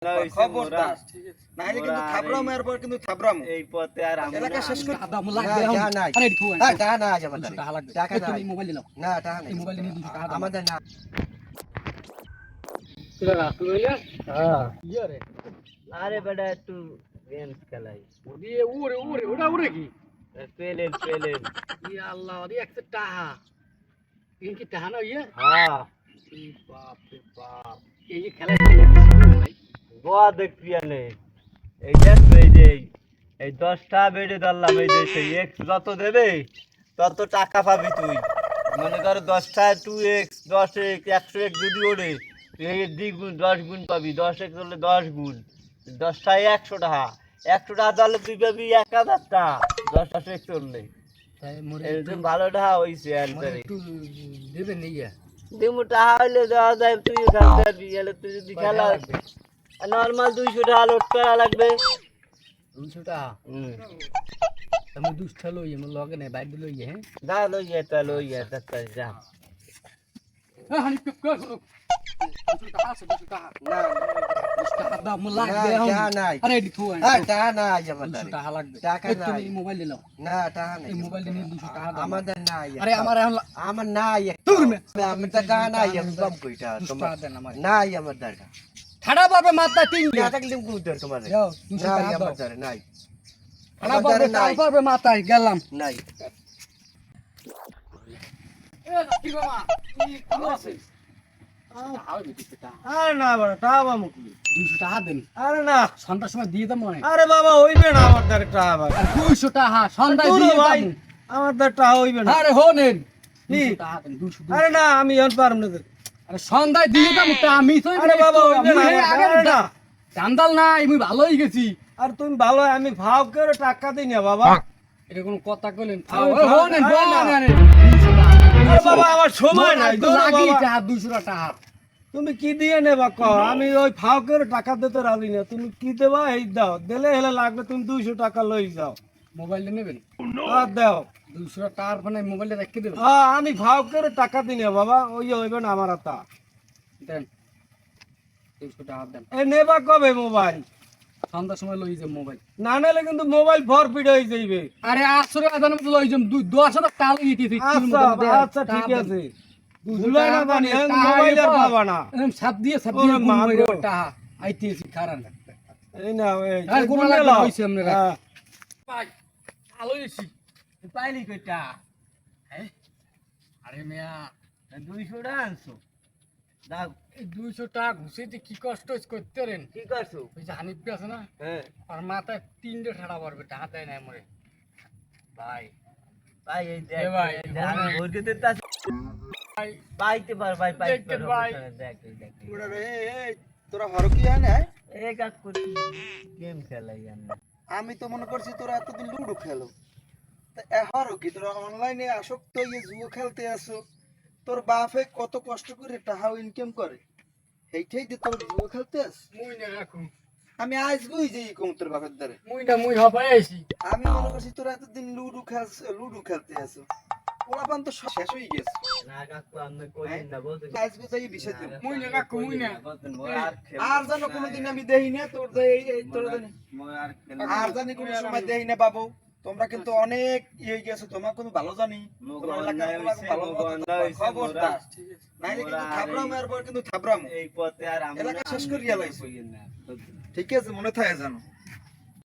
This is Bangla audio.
খবরদার নাইলে কিন্তু থাবরাম এরপর কিন্তু থাবরাম এই পথে আর আমরা এলাকা শেষ করে আদা মোলা লাগবে আরে একটু টাকা না আছে আমাদের টাকা লাগবে টাকা নাই তুমি মোবাইল নাও না টাকা নাই এই মোবাইল নিয়ে 200 টাকা দাও আমাদের না তুই রাখলো ইয়া হ্যাঁ ইয়া রে আরে বেটা একটু গেম খেলাই ওরে ওরে ওরে ওটা ওরে কি পেলেন ইয়া আল্লাহ ওরে একটা টাকা এই কি টাকা না ইয়া হ্যাঁ এই বাপ রে বাপ এই খেলা ভাই গোয়া দেখবি আনে এই দেখ এই 10টা বেড়ে ধরলাম এই যে সেই এক্স যত দেবে তত টাকা পাবি তুই মনে কর 10টা 2x 10x 100x যদি ওড়ে তুই এই দ্বিগুণ 10 গুণ পাবি 10x হলে 10 গুণ 10টায় 100 টাকা 100 টাকা ধরলে তুই পাবি 1000 টাকা 10টা x করলে তাই মোরে এরকম ভালো টাকা হইছে আনসারে একটু দেবে নিয়া দিমু টাকা হইলে দেওয়া যায় তুই খেলতে পারবি এলে তুই যদি খেলা নরমাল 200 টাকা লোড করা লাগবে 200 টাকা আমি 200 লই আমার লগে নাই বাইক লই হ্যাঁ যা লইয়া তাড়াতাড়ি যা হ্যাঁ হানি পিক কর 200 টাকা আছে 200 টাকা না 200 টাকা দাও মোলা লাগবে টাকা নাই আরে একটু টাকা না আছে আমাদের 200 টাকা লাগবে টাকা নাই তুমি মোবাইল নাও না টাকা নাই এই মোবাইল নিয়ে 200 টাকা দাও আমাদের নাই আরে আমার আমার নাই দূর মে আমি টাকা নাই আমি কম কইটা 200 তোমার টাকা দেন আমার নাই আমার টাকা ঠাড়া পাবে মাথা তিন না থাকলে কোন তোর তোমার যাও 200 নাই টাকা দাও আমার দ্বারা নাই ঠাড়া পাবে টাল পাবে মাথায় গেলাম নাই এ কি বাবা কি ভালো আছে আরে না বড় টাকা পাবো কি 200 টাকা দেন আরে না সন্ধ্যার সময় দিয়ে দাও মনে আরে বাবা হইবে না আমার দ্বারা টাকা ভাই আর 200 টাকা সন্ধ্যায় দিয়ে ভাই দাও আমার দ্বারা টাকা হইবে না আরে হোনেন কি? 200 টাকা দেন 200 আরে না আমি এখন পারব না আরে সন্ধ্যায় দিয়ে দাও তা আমি তো আরে বাবা হইবে না আরে না জানদাল না আমি ভালোই গেছি আর তুমি ভালো আমি ভাব করে টাকা দিই না বাবা এটা কোন কথা কইলেন আমি হোনেন আরে না। হোনেন আরে বাবা আমার সময় নাই দূর লাগি বাবা। টাকা 200 টাকা তুমি কি দিয়ে নেবা কও আমি ওই ফাও করে টাকা দিতে রাজি না তুমি কি দেবা এই দাও দিলে হেলে লাগবে তুমি 200 টাকা লই যাও মোবাইলটা নেবেন আর দাও 200 টাকার ফোনে মোবাইলটা রেখে দেবেন হ্যাঁ আমি ভাও করে টাকা দিই না বাবা ওই হইবে না আমার তা দেন 200 টাকা দেন এ নেবা কবে মোবাইল সন্ধ্যার সময় লই যাম মোবাইল না নিলে কিন্তু মোবাইল ফরফিট হয়ে যাইবে আরে 800 টাকা দাম লই যাম 10 টাকা টাল ইতি আচ্ছা ঠিক আছে ভুলাই না জানি মোবাইল আর পাবা না সাত দিয়ে সাত ওরে দিয়ে মা মারো গো। টাকা আইতেছি কারণ এই না এই আর কোন গুনে লাগবে লাও। হইছে আপনারা হ্যাঁ। ভাই ভালো হইছি পাইলি কইটা হ্যাঁ আরে মিয়া 200 টাকা আনছো দাও এই 200 টাকা ঘুষেতে কি কষ্ট করতে রেন কি করছো ওই যে হানিফ আছে না হ্যাঁ আর মাথায় 3টে ঠাড়া পড়বে টাকা দেয় না মরে ভাই ভাই এই দেখ এ ভাই, আমি ভাই। ভোর দিতে তাস ভাই পাইতে পার ভাই পাইতে দেখতে পার ভাই। দেখ দেখ ওরা রে এই তোরা হরো কি হয় না এই কাজ করি গেম খেলাই আমরা আমি তো মনে করছি তোরা এতদিন লুডো খেলো তা হরো কি তোরা অনলাইনে আসক্ত হয়ে জুয়ো খেলতে আসো তোর বাপে কত কষ্ট করে টাকা ইনকাম করে এইটাই দিয়ে তোর জুয়ো খেলতে আস মুই না রাখুন আমি আজ বুঝি যে কম তোর বাপের দ্বারে মুই হবাই আইছি আমি মনে করছি তোরা এতদিন লুডো খেলতে আসো পোলাপান তো সব শেষ হয়ে গেছে না কাকু আমি কইন না বলতে আজ বুঝাই বিষয় দিল মুই না কাকু মুই না আর জানো কোনোদিন আমি দেই না তোর এই তোর জানি আর জানি কোনো সময় দেই না বাবু তোমরা কিন্তু অনেক ইয়ে গেছো তোমার কোনো ভালো জানি তোমার এলাকার তোমাকে ভালো খবরদার নাইলে কিন্তু থাবরাম এরপর কিন্তু থাবরাম এই পথে আর আমরা এলাকা শেষ করিয়া লাইছি। ঠিক আছে মনে থাকে জানো